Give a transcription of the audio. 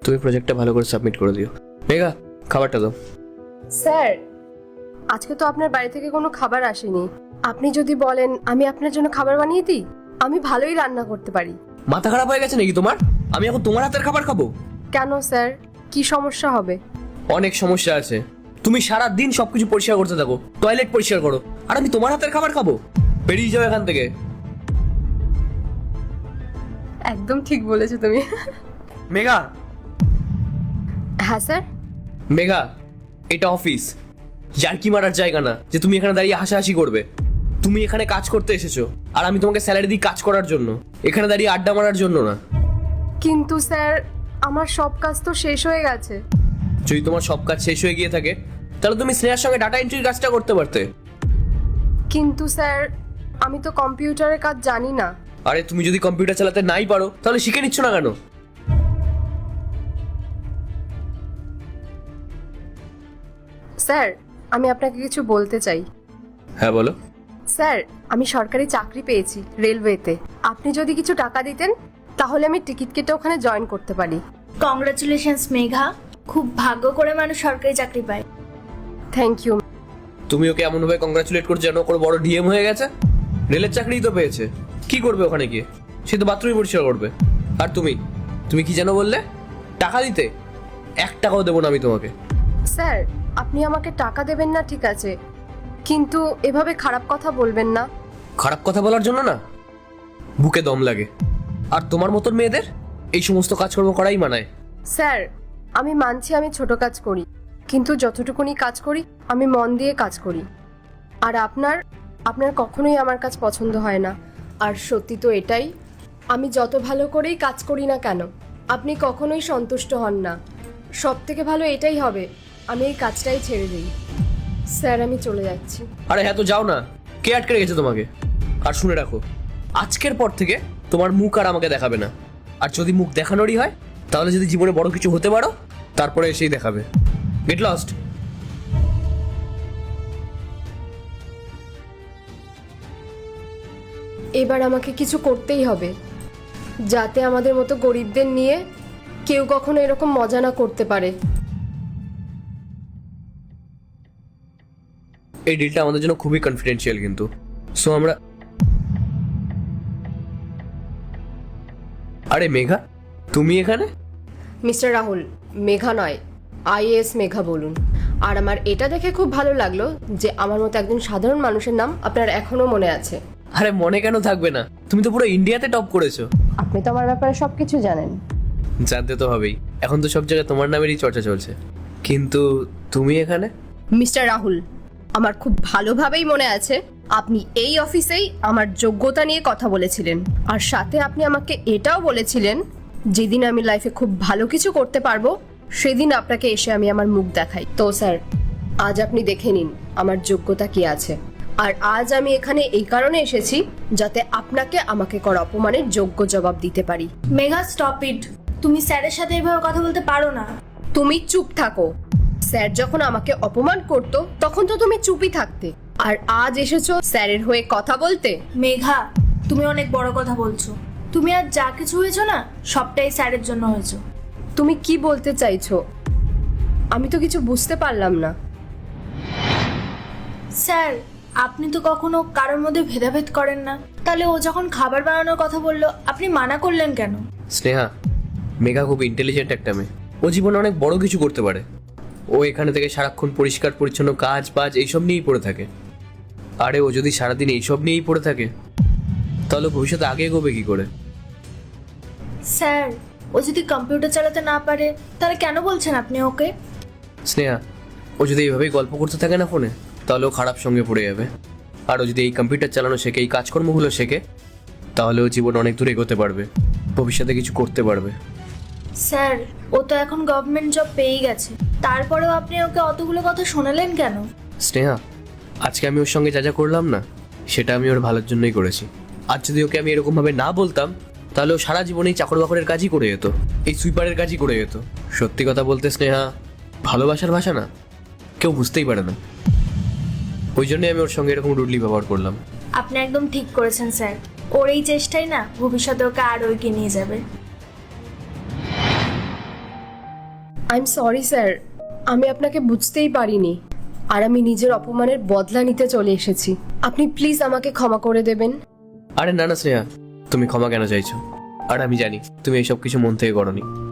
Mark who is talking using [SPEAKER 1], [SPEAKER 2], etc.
[SPEAKER 1] তুমি প্রজেক্টটা ভালো করে সাবমিট করে দিও। মেঘা, খাবারটা দাও।
[SPEAKER 2] স্যার, আজকে তো আপনার বাড়ি থেকে কোনো খাবার আসেনি। আপনি যদি বলেন আমি আপনার জন্য খাবার বানিয়ে দিই, আমি ভালোই রান্না করতে পারি।
[SPEAKER 1] মাথা খারাপ হয়ে গেছে নাকি তোমার? আমি এখন তোমার হাতের খাবার খাবো?
[SPEAKER 2] কেন স্যার, কি সমস্যা হবে?
[SPEAKER 1] অনেক সমস্যা আছে। তুমি সারা দিন সবকিছু পরিষ্কার করতে থাকো, টয়লেট পরিষ্কার করো, আর আমি তোমার হাতের খাবার খাবো? বেরিয়ে যাও এখান থেকে।
[SPEAKER 2] একদম ঠিক বলেছো তুমি।
[SPEAKER 1] মেঘা।
[SPEAKER 2] হ্যাঁ স্যার।
[SPEAKER 1] মেঘা, এটা অফিস, জার্কি মারার জায়গা না যে তুমি এখানে দাঁড়িয়ে হাসাহাসি করবে। তুমি এখানে কাজ করতে এসেছো, আর আমি তোমাকে স্যালারি দিই কাজ করার জন্য, এখানে দাঁড়িয়ে আড্ডা মারার জন্য না।
[SPEAKER 2] কিন্তু স্যার, আমার সব কাজ তো শেষ হয়ে গেছে।
[SPEAKER 1] যদি তোমার সব কাজ শেষ হয়ে গিয়ে থাকে, তাহলে তুমি স্নেহার সঙ্গে ডাটা এন্ট্রির কাজটা করতে পারতে।
[SPEAKER 2] কিন্তু স্যার, আমি তো কম্পিউটারের কাজ জানি না।
[SPEAKER 1] আরে তুমি যদি কম্পিউটার চালাতে নাই পারো, তাহলে শিখে নিচ্ছ না কেন?
[SPEAKER 2] স্যার, আমি আপনাকে কিছু বলতে চাই।
[SPEAKER 1] হ্যাঁ বলো।
[SPEAKER 2] স্যার, আমি সরকারি চাকরি পেয়েছি রেলওয়েতে। আপনি যদি কিছু টাকা দিতেন, তাহলে আমি টিকিট কেটে ওখানে জয়েন করতে পারি।
[SPEAKER 3] কংগ্রাচুলেশনস মেঘা, খুব ভাগ্য করে মানুষ সরকারি চাকরি পায়।
[SPEAKER 2] Thank you.
[SPEAKER 1] তুমি ওকে এমন ভাবে কংগ্রাচুলেট করছো যেন কোনো বড় ডিএম হয়ে গেছে। রেলের চাকরিই তো পেয়েছে, কি করবে ওখানে গিয়ে? সে তো বাথরুমই পরিষ্কার করবে। আর তুমি তুমি কি যেন বললে? টাকা দিতে? 1 টাকাও দেবো না আমি তোমাকে।
[SPEAKER 2] স্যার, আপনি আমাকে টাকা দেবেন না ঠিক আছে, কিন্তু এভাবে খারাপ কথা বলবেন না।
[SPEAKER 1] খারাপ কথা বলার জন্য না, বুকে দম লাগে। আর তোমার মতন মেয়েদের এই সমস্ত কাজকর্ম করাই মানায়।
[SPEAKER 2] স্যার, আমি মানছি আমি ছোট কাজ করি, কিন্তু যতটুকুনি কাজ করি আমি মন দিয়ে কাজ করি। আর আপনার আপনার কখনোই আমার কাজ পছন্দ হয় না। আর সত্যি তো এটাই, আমি যত ভালো করেই কাজ করি না কেন, আপনি কখনোই সন্তুষ্ট হন না। সব থেকে ভালো এটাই হবে, আমি এই কাজটাই ছেড়ে দিই। স্যার, আমি চলে যাচ্ছি।
[SPEAKER 1] আরে হ্যাঁ, তো যাও না, কে আটকে রেখেছে তোমাকে? আর শুনে রাখো, আজকের পর থেকে তোমার মুখ আর আমাকে দেখাবে না। আর যদি মুখ দেখানোরই হয়, তাহলে যদি জীবনে বড় কিছু হতে পারো, তারপরে এসেই দেখাবে। Get lost.
[SPEAKER 2] এবার আমাকে কিছু করতেই হবে, যাতে আমাদের মতো গরিবদের নিয়ে কেউ কখনো এরকম মজা না করতে পারে।
[SPEAKER 1] এই ডিলটা আমাদের জন্য খুবই কনফিডেন্সিয়াল কিন্তু। সো আমরা... আরে মেঘা, তুমি এখানে?
[SPEAKER 2] মিস্টার রাহুল, মেঘা নয়, আইএএস মেঘা বলুন। আর আমার এটা দেখে খুব ভালো লাগলো যে আমার মতো একজন সাধারণ মানুষের নাম আপনার এখনো মনে আছে।
[SPEAKER 1] আরে মনে কেন থাকবে না, তুমি তো পুরো ইন্ডিয়াতে টপ করেছো।
[SPEAKER 2] আপনি তো আমার ব্যাপারে সবকিছু জানেন।
[SPEAKER 1] জানতে তো হবেই, এখন তো সব জায়গায় তোমার নামেরই চর্চা চলছে। কিন্তু তুমি এখানে?
[SPEAKER 2] মিস্টার রাহুল, আমার খুব ভালোভাবেই মনে আছে আপনি এই অফিসেই আমার যোগ্যতা নিয়ে কথা বলেছিলেন। আর সাথে আপনি আমাকে এটাও বলেছিলেন, যেদিন আমি লাইফে খুব ভালো কিছু করতে পারবো সেদিন আপনাকে এসে আমি আমার মুখ দেখাই। তো স্যার, আজ আপনি দেখে নিন আমার যোগ্যতা কি আছে। আর আজ আমি এখানে এই কারণে এসেছি যাতে আপনাকে আমাকে করা অপমানের যোগ্য জবাব দিতে পারি।
[SPEAKER 3] Megha, stop it. তুমি স্যারের সাথে এভাবে কথা বলতে পারো না।
[SPEAKER 2] তুমি চুপ থাকো। স্যার যখন আমাকে অপমান করতো তখন তো তুমি চুপই থাকতে, আর আজ এসেছো স্যারের হয়ে কথা বলতে।
[SPEAKER 3] মেঘা, তুমি অনেক বড় কথা বলছো। তুমি আর যা কিছু হয়েছো না, সবটাই স্যারের জন্য হয়েছো।
[SPEAKER 2] তুমি কি বলতে চাইছো? আমি তো কিছু বুঝতে পারলাম না।
[SPEAKER 3] স্যার, আপনি তো কখনো কারোর মধ্যে ভেদাভেদ করেন না, তাহলে ও যখন খাবার বানানোর কথা বললো আপনি মানা করলেন কেন?
[SPEAKER 1] স্নেহা, মেঘা খুব ইন্টেলিজেন্ট একটা মেয়ে, ও জীবনে অনেক বড় কিছু করতে পারে। ও এখানে থেকে সারাক্ষণ পরিষ্কার পরিচ্ছন্ন কাজ বাজ এইসব নিয়েই পড়ে থাকে। আরে ও যদি সারাদিন এইসব নিয়েই পড়ে থাকে, তাহলে ভবিষ্যতে আগে এগোবে কি করে?
[SPEAKER 3] স্যার, ও যদি কম্পিউটার চালাতে না পারে তাহলে কেন বলছেন আপনি ওকে?
[SPEAKER 1] স্নেহা, ও যদি এইভাবেই গল্প করতে থাকে না ফোনে, তাহলে ও খারাপ সঙ্গে পড়ে যাবে। আর ও যদি এই কম্পিউটার চালানো শেখে, এই কাজকর্মগুলো শেখে, তাহলে ও জীবন অনেক দূর এগোতে পারবে, ভবিষ্যতে কিছু করতে পারবে।
[SPEAKER 3] স্যার, ও তো এখন গভর্নমেন্ট জব পেয়েই গেছে, তারপরেও আপনি ওকে অতগুলো কথা শোনালেন কেন?
[SPEAKER 1] স্নেহা, আজকে আমি ওর সঙ্গে যা যা করলাম না, সেটা আমি ওর ভালোর জন্যই করেছি। আর যদি ওকে আমি এরকমভাবে না বলতাম, তাহলে ও সারা জীবন এই চাকর বাকরের কাজই করে যেত, এই সুইপারের কাজই করে যেত। সত্যি কথা বলতে স্নেহা, ভালোবাসার ভাষা না কেউ বুঝতেই পারে না। ওই জন্যই আমি ওর সঙ্গে এরকম রুডলি ব্যবহার করলাম।
[SPEAKER 3] আপনি একদম ঠিক করেছেন স্যার। ওর এই চেষ্টাই না ভবিষ্যতে ওকে আরও এগিয়ে নিয়ে যাবে।
[SPEAKER 2] আই এম সরি স্যার, আমি আপনাকে বুঝতেই পারিনি, আর আমি নিজের অপমানের বদলা নিতে চলে এসেছি। আপনি প্লিজ আমাকে ক্ষমা করে দেবেন।
[SPEAKER 1] আরে না না শ্রেয়া, তুমি ক্ষমা কেন চাইছো? আর আমি জানি তুমি এইসব কিছু মন থেকে করোনি।